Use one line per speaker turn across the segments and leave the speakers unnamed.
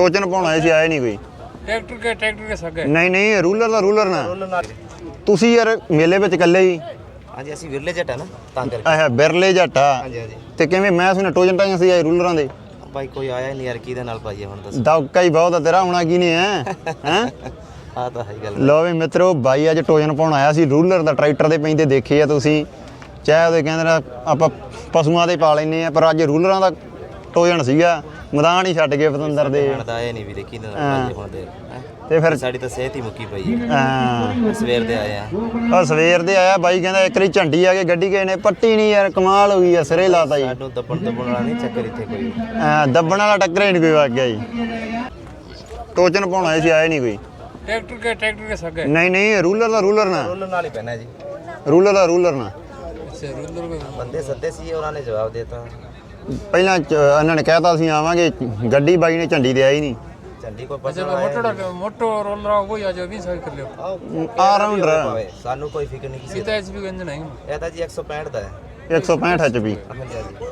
ਟੋਚਨ ਪਾਉਣਾ ਸੀ, ਆਏ ਨਹੀਂ ਕੋਈ।
ट्रैक्टर के सगे
नहीं रूलर ना ਤੁਸੀਂ ਯਾਰ ਮੇਲੇ ਵਿੱਚ ਇਕੱਲੇ ਹੀ?
ਹਾਂਜੀ ਅਸੀਂ ਵਿਰਲੇ ਜੱਟ ਆ ਨਾ ਤਾਂ ਕਰਕੇ।
ਆਹ ਬਿਰਲੇ ਜੱਟਾ।
ਹਾਂਜੀ ਹਾਂਜੀ
ਤੇ ਕਿਵੇਂ ਮੈਂ ਸੁਣਿਆ ਟੋਜਨ ਟਾਈਆਂ ਸੀ ਆਏ ਰੂਲਰਾਂ ਦੇ?
ਬਾਈ ਕੋਈ ਆਇਆ ਨਹੀਂ ਯਾਰ, ਕਿਹਦੇ ਨਾਲ ਪਾਈਏ ਹੁਣ ਦੱਸ।
ਦੌਕਾ ਹੀ ਬਹੁਤ ਆ ਤੇਰਾ, ਹੋਣਾ ਕੀ ਨਹੀਂ ਹੈ ਹੈ।
ਆ ਤਾਂ ਹੈ ਗੱਲ।
ਲੋ ਵੀ ਮਿੱਤਰੋ, ਬਾਈ ਅੱਜ ਟੋਜਨ ਪਾਉਣ ਆਇਆ ਸੀ ਰੂਲਰ ਦਾ। ਟਰੈਕਟਰ ਦੇ ਪੈਂਦੇ ਦੇਖੇ ਆ ਤੁਸੀਂ, ਚਾਹੇ ਉਹਦੇ ਕਹਿੰਦੇ ਨਾ ਆਪਾਂ ਪਸ਼ੂਆਂ ਦੇ ਪਾ ਲੈਨੇ ਆ, ਪਰ ਅੱਜ ਰੂਲਰਾਂ ਦਾ ਟੋਜਨ ਸੀਗਾ। ਮੈਦਾਨ ਹੀ ਛੱਡ ਗਏ ਪਤੰਦਰ ਦੇ।
ਆਏ ਨਹੀਂ ਵੀਰੇ, ਕਿਹਦੇ ਨਾਲ ਪਾਈਏ ਹੁਣ ਦੇ।
ਤੇ ਫਿਰ
ਸਾਡੀ ਤਾਂ ਸਿਹਤ ਹੀ ਮੁੱਕੀ ਪਈ ਹੈ।
ਹਾਂ
ਸਵੇਰ ਦੇ ਆਏ ਆ।
ਉਹ ਸਵੇਰ ਦੇ ਆਇਆ ਬਾਈ, ਕਹਿੰਦਾ ਇੱਕ ਵਾਰੀ ਝੰਡੀ ਆ ਕੇ ਗੱਡੀ ਗਏ ਨੇ ਪੱਟੀ ਨਹੀਂ ਯਾਰ, ਕਮਾਲ ਹੋ ਗਈ ਆ, ਸਿਰੇ ਲਾਤਾ ਜੀ।
ਸਾਨੂੰ ਦੱਬਣ ਵਾਲਾ ਨਹੀਂ ਚੱਕਰ ਇੱਥੇ ਕੋਈ।
ਦੱਬਣ ਵਾਲਾ ਟੱਕਰ ਹੀ ਨਹੀਂ ਕੋਈ ਵਗ ਗਿਆ ਜੀ। ਟੋਚਨ ਪਾਉਣਾ ਸੀ, ਆਏ ਨਹੀਂ ਕੋਈ।
ट्रैक्टर के सगे
ਨਹੀਂ ਰੂਲਰ ਨਾ
ਰੂਲਰ ਨਾਲ ਹੀ ਪੈਣਾ ਜੀ।
ਰੂਲਰ ਨਾ
अच्छा रूलर में
ਬੰਦੇ ਸੱਦੇ ਸੀ, ਉਹਨਾਂ ਨੇ ਜਵਾਬ ਦੇਤਾ।
ਪਹਿਲਾਂ ਇਹਨਾਂ ਨੇ ਕਹਿਤਾ ਅਸੀਂ ਆਵਾਂਗੇ, ਗੱਡੀ ਬਾਈ ਨੇ ਝੰਡੀ ਤੇ ਆਈ ਨਹੀਂ।
ਝੰਡੀ ਕੋਈ
अच्छा मोटो रोलर वही आ जाओ 20 साल कर लियो
ਆ ਰਾਉਂਡਰ
ਸਾਨੂੰ ਕੋਈ ਫਿਕਰ ਨਹੀਂ ਕਿਸੇ
सीधा एचपी का इंजन है
ਇਹ ਤਾਂ ਜੀ 165 ਦਾ ਹੈ।
165 HP।
ਹਾਂਜੀ ਹਾਂਜੀ।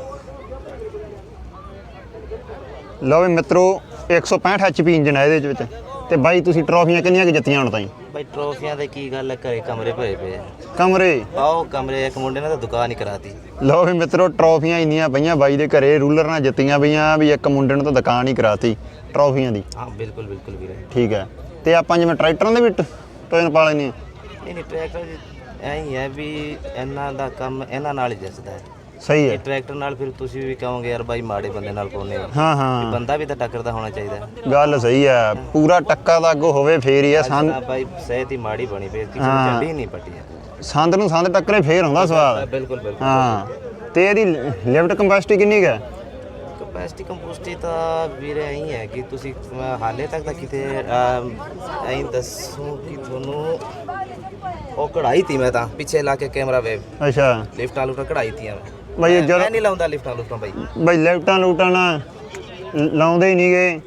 ਲਓ ਵੀ ਮਿੱਤਰੋ, 165 HP ਇੰਜਨ ਹੈ ਇਹਦੇ ਵਿੱਚ। ਤੇ ਬਾਈ ਤੁਸੀਂ ਟਰੋਫੀਆਂ ਕਿੰਨੀਆਂ ਕਿ ਜਿੱਤੀਆਂ ਹੁਣ ਤਾਈਂ?
ਬਾਈ ਟਰੋਫੀਆਂ ਦੇ ਕੀ ਗੱਲ ਹੈ, ਘਰੇ ਕਮਰੇ ਭਰੇ ਪਏ ਆ।
ਕਮਰੇ?
ਆਓ ਕਮਰੇ, ਇੱਕ ਮੁੰਡੇ ਨੇ ਤਾਂ ਦੁਕਾਨ ਹੀ ਕਰਾਤੀ।
ਲਓ ਵੀ ਮਿੱਤਰੋ, ਟਰੋਫੀਆਂ ਇੰਨੀਆਂ ਪਈਆਂ ਬਾਈ ਦੇ ਘਰੇ, ਰੂਲਰ ਨਾਲ ਜਿੱਤੀਆਂ ਪਈਆਂ ਵੀ ਇੱਕ ਮੁੰਡੇ ਨੂੰ ਤਾਂ ਦੁਕਾਨ ਹੀ ਕਰਾਤੀ ਟਰੋਫੀਆਂ ਦੀ।
ਹਾਂ ਬਿਲਕੁਲ ਬਿਲਕੁਲ ਵੀਰੇ।
ਠੀਕ ਹੈ। ਤੇ ਆਪਾਂ ਜਿਵੇਂ ਟਰੈਕਟਰਾਂ ਦੇ ਵੀ ਟੋਜਨ ਪਾ ਲੈਂਦੇ ਹਾਂ?
ਨਹੀਂ ਟਰੈਕਟਰ ਐਂ ਹੀ ਹੈ ਵੀ ਇਹਨਾਂ ਦਾ ਕੰਮ ਇਹਨਾਂ ਨਾਲ ਹੀ ਜੱਸਦਾ ਹੈ।
ਸਹੀ ਹੈ।
ਟਰੈਕਟਰ ਨਾਲ ਫਿਰ ਤੁਸੀਂ ਵੀ ਕਹੋਗੇ ਯਾਰ ਬਾਈ ਮਾੜੇ ਬੰਦੇ ਨਾਲ ਪਾਉਨੇ ਆ।
ਹਾਂ ਹਾਂ,
ਬੰਦਾ ਵੀ ਤਾਂ ਟੱਕਰ ਦਾ ਹੋਣਾ ਚਾਹੀਦਾ।
ਗੱਲ ਸਹੀ ਹੈ। ਪੂਰਾ ਟੱਕਾ ਦਾ ਅੱਗੋਂ ਹੋਵੇ ਫੇਰ ਹੀ ਆ।
ਬਾਈ ਸਿਹਤ ਹੀ ਮਾੜੀ ਬਣੀ ਪਈ, ਕਿਸੇ ਨੂੰ ਝੰਡੀ ਨਹੀਂ ਪੱਟੀ ਹੈ।
ਸੰਦ ਨੂੰ ਸੰਦ ਟੱਕਰੇ ਫੇਰ ਹੁੰਦਾ ਸਵਾਦ।
ਬਿਲਕੁਲ ਬਿਲਕੁਲ।
ਹਾਂ। ਤੇ ਇਹਦੀ ਲਿਫਟ ਕੰਪੈਸਿਟੀ ਕਿੰਨੀ ਕੁ ਹੈ?
ਕਪੈਸਿਟੀ ਕੰਪੋਸਟੀ ਤਾਂ ਵੀਰੇ ਐਂ ਹੈ ਕਿ ਤੁਸੀਂ ਹਾਲੇ ਤੱਕ ਤਾਂ ਕਿਤੇ ਐਂ ਦੱਸੋ ਕਿ ਤੁਹਾਨੂੰ ਉਹ ਕਢਾਈ ਤੀ ਮੈਂ ਤਾਂ ਪਿੱਛੇ ਲਾ ਕੇ ਕੈਮਰਾ ਵੇ।
ਅੱਛਾ।
ਲਿਫਟਾਂ ਲੁਫਟਾਂ ਕਢਾਈ ਤੀਆਂ
ਬਾਈ
ਮੈਂ ਨਹੀਂ ਲਾਉਂਦਾ ਲਿਫਟਾਂ ਲੁਫਟਾਂ ਬਾਈ।
ਬਾਈ ਲਿਫਟਾਂ ਲੂਟਾਂ ਨਾ ਲਾਉਂਦੇ ਹੀ ਨਹੀਂ ਗਏ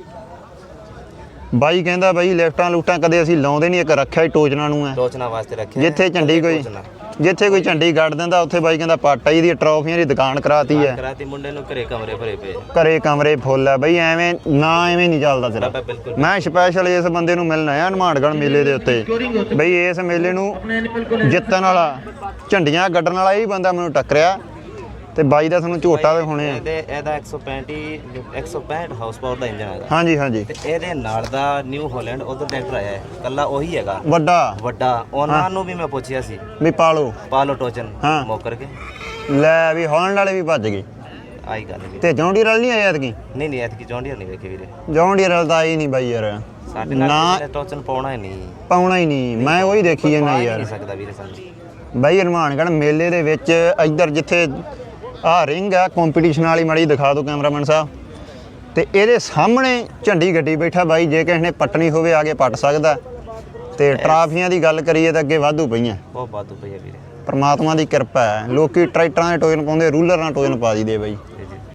ਬਾਈ। ਕਹਿੰਦਾ ਬਾਈ ਲਿਫਟਾਂ ਲੂਟਾਂ ਕਦੇ ਅਸੀਂ ਲਾਉਂਦੇ ਨਹੀਂ, ਇੱਕ ਰੱਖਿਆ ਹੀ ਟੋਚਨਾ ਨੂੰ ਹੈ।
ਟੋਚਨਾ ਵਾਸਤੇ ਰੱਖਿਆ।
ਜਿੱਥੇ ਕੋਈ ਝੰਡੀ ਗੱਡ ਦਿੰਦਾ ਉੱਥੇ ਬਾਈ ਕਹਿੰਦਾ ਪਾਟਾ ਹੀ ਦੀ ਟਰੋਫੀਆਂ ਦੀ ਦੁਕਾਨ ਕਰਾਤੀ ਹੈ।
ਕਰਾਤੀ ਮੁੰਡੇ ਨੂੰ, ਘਰੇ ਕਮਰੇ ਭਰੇ ਪਏ।
ਘਰੇ ਕਮਰੇ ਫੁੱਲ ਹੈ ਬਾਈ। ਐਵੇਂ ਨਾ ਐਵੇਂ ਨਹੀਂ ਚੱਲਦਾ ਤੇਰਾ। ਮੈਂ ਸਪੈਸ਼ਲ ਇਸ ਬੰਦੇ ਨੂੰ ਮਿਲਣ ਆਇਆ ਹਨੂੰਮਾਨਗੜ੍ਹ ਮੇਲੇ ਦੇ ਉੱਤੇ। ਬਈ ਇਸ ਮੇਲੇ ਨੂੰ ਜਿੱਤਣ ਵਾਲਾ, ਝੰਡੀਆਂ ਗੱਡਣ ਵਾਲਾ ਇਹ ਬੰਦਾ ਮੈਨੂੰ ਟੱਕਰਿਆ। ਤੇ ਬਾਈ ਦਾ ਤੁਹਾਨੂੰ ਝੋਟਾ ਦਿਖਾਉਣੇ ਆ।
ਇਹਦਾ 165 ਹਾਊਸ ਪਾਵਰ ਦਾ ਇੰਜਨ ਹੈਗਾ।
ਹਾਂਜੀ ਹਾਂਜੀ।
ਤੇ ਇਹਦੇ ਨਾਲ ਦਾ ਨਿਊ ਹਾਲੈਂਡ ਉਧਰ ਟਰੈਕਟਰ ਆਇਆ ਹੈ, ਕੱਲਾ ਉਹੀ ਹੈਗਾ ਵੱਡਾ। ਉਹਨਾਂ ਨੂੰ ਵੀ ਮੈਂ ਪੁੱਛਿਆ ਸੀ
ਵੀ ਪਾਲੋ
ਟੋਚਨ ਮੋਕਰ ਕੇ
ਲੈ ਵੀ ਹਾਲੈਂਡ ਵਾਲੇ ਵੀ ਭੱਜ ਗਏ।
ਆਈ ਗੱਲ ਵੀ
ਤੇ ਜੌਂਡੀਅਰ ਵਾਲ ਨਹੀਂ ਆਇਆ ਐਤਕੀ?
ਨਹੀਂ ਐਤਕੀ ਜੌਂਡੀਅਰ ਨਹੀਂ ਵੇਖੇ ਵੀਰੇ।
ਜੌਂਡੀਅਰ ਵਾਲ ਤਾਂ ਆਈ ਨਹੀਂ ਬਾਈ ਯਾਰ।
ਸਾਡੇ ਨਾਲ ਟੋਚਨ ਪਾਉਣਾ ਹੀ ਨਹੀਂ। ਮੈਂ ਉਹੀ ਦੇਖੀ ਜਾਂਦਾ ਯਾਰ। ਨਹੀਂ ਸਕਦਾ ਵੀਰੇ ਸਾਨੂੰ
ਬਾਈ ਹਨੂੰਮਾਨਗੜ੍ਹ ਮੇਲੇ ਦੇ ਵਿੱਚ ਇੱਧਰ ਜਿੱਥੇ ਆਹ ਰਿੰਗ ਆ ਕੰਪੀਟੀਸ਼ਨ ਵਾਲੀ, ਮਾੜੀ ਦਿਖਾ ਦਿਓ ਕੈਮਰਾਮੈਨ ਸਾਹਿਬ। ਤੇ ਇਹਦੇ ਸਾਹਮਣੇ ਝੰਡੀ ਗੱਡੀ ਬੈਠਾ ਬਾਈ। ਜੇ ਕਿਸੇ ਨੇ ਪੱਟਣੀ ਹੋਵੇ ਆ ਕੇ ਪੱਟ ਸਕਦਾ। ਤੇ ਟਰਾਫੀਆਂ ਦੀ ਗੱਲ ਕਰੀਏ ਤਾਂ ਅੱਗੇ ਵਾਧੂ ਪਈਆਂ,
ਬਹੁਤ ਵਾਧੂ ਪਈਆਂ ਵੀਰੇ।
ਪਰਮਾਤਮਾ ਦੀ ਕਿਰਪਾ ਹੈ। ਲੋਕੀ ਟਰੈਕਟਰਾਂ ਦੇ ਟੋਜਨ ਪਾਉਂਦੇ, ਰੂਲਰ ਨਾਲ ਟੋਜਨ ਪਾ ਦਈਦੇ ਬਾਈ।